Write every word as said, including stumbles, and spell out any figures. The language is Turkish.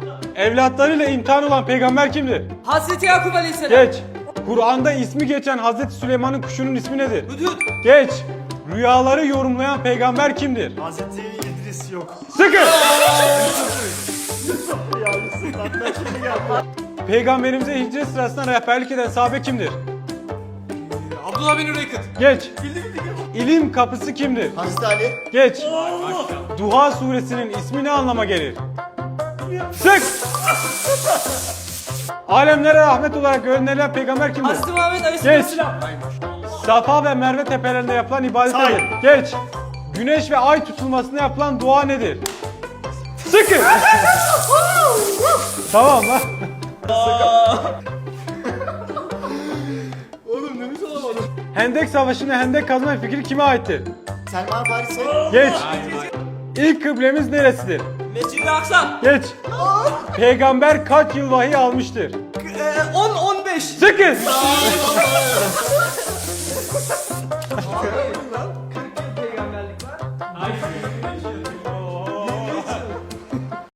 Evlatlarıyla imtihan olan peygamber kimdir? Hazreti Yakup Aleyhisselam. Geç. Kur'an'da ismi geçen Hazreti Süleyman'ın kuşunun ismi nedir? Hudhud. Geç. Rüyaları yorumlayan peygamber kimdir? Hazreti İdris yok. Sıkı. Ya Yusuf lan ben şimdi geldim. Peygamberimize hicret sırasında rehberlik eden sahabe kimdir? Abdullah bin Üreykıt. Geç. İlim kapısı kimdir? Hazreti Ali. Geç. Duha suresinin ismi ne anlama gelir? Sık. Alemlere rahmet olarak gönderilen peygamber kimdir? Hazreti Muhammed Geç. Aleyhisselam. Safa ve Merve tepelerinde yapılan ibadet Say. nedir? Geç. Güneş ve ay tutulmasında yapılan dua nedir? Sıkı. Tamam lan. Oğlum nefes alamadım. Hendek Savaşı'nda hendek kazma fikri kime aittir? Selman Paris'e. Geç. İlk kıblemiz neresidir? Mescid-i Aksa. Geç. Peygamber kaç yıl vahiy almıştır? on on beş. Sıkı.